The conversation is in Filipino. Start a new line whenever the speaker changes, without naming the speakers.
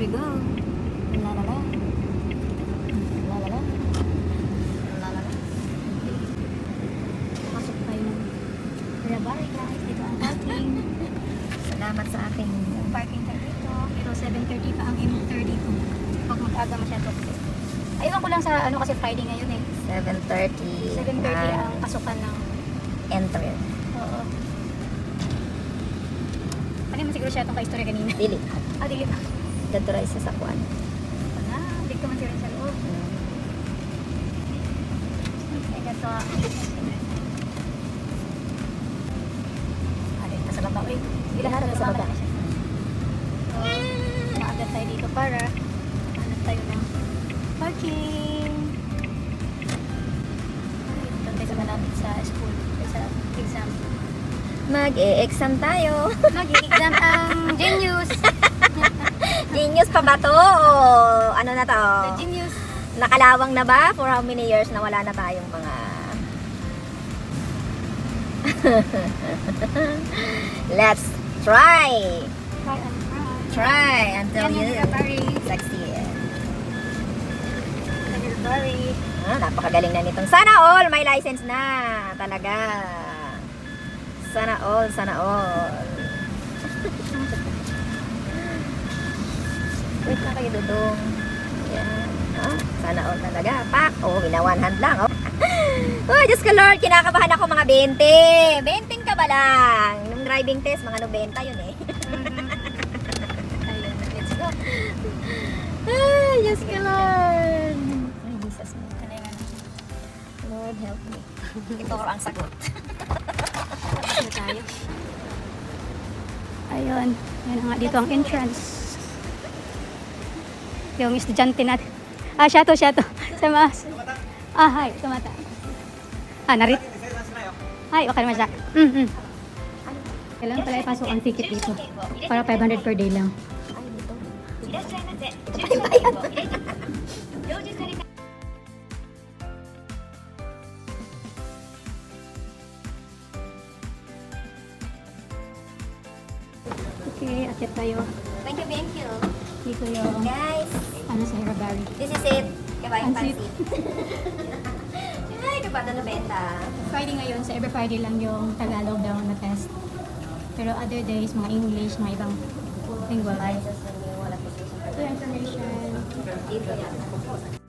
we go. La la la. La la la. La la la. Pasok tayo ng Rabari guys. Dito ang parking.
Salamat sa aking
Yung parking tayo dito. Pero 7:30 pa ang M32. Pag mag-aga masyado. Ayun ko lang sa ano kasi Friday ngayon eh.
7:30.
7:30 ang pasukan ng
Entry.
oo. Ano mo siguro siya itong ka-istorya kanina?
Dili.
Ah, dili pa.
Dito rin sa sakuan.
Wala, hindi ko man siya rin sa loob. Ay, gato. Ah, dito sa baba. Uy,
Lahat nasa baba.
So, maagat tayo dito para hanap tayo ng parking. Ay, doon tayo sa malapit sa school. Sa exam.
Mag-e-exam tayo.
Mag-i-exam ang Genius.
Genius pa ba to? O ano na to?
The Genius.
Nakalawang na ba? For how many years na wala na tayong mga... Let's try!
Try and try.
Try until
Yan
you
yung Rabari.
succeed.
Rabari.
Napakagaling na nitong. Sana all! May license na! Talaga. Sana all, sana all. Wait na kayo, Dudong. Yan. Sana all talaga. Pak! Oh, ginawan hand lang. Oh. Oh, Diyos ko Lord, kinakabahan ako mga 20. 20 ka ba lang? Nung driving test, mga 90 yun eh.
Ayun, let's go.
Ay, Diyos ko Lord. Ay, Jesus me.
Kailangan
Lord, help me. Ito ang sagot.
na tayo. Ayun, yan nga dito ang entrance. Yung estudyante natin. Ah, siya to. Sa mas. Ah, hi, tumata. Ah, narit. Hi, okay naman siya. Kailangan pala ipasok ang ticket dito. Para 500 per day lang.
Ito pa yung bayad.
Okay, akit tayo.
Thank you, thank you.
Dito yung
Guys,
ano sa Rabari.
this is it. Kabayang
Pansit.
pansit. Ay, kapata na benta.
Friday ngayon, sa every Friday lang yung Tagalog daw na test. Pero other days, mga English, mga ibang lingual.
Ay, sa wala po.
So, information.
Dito yan.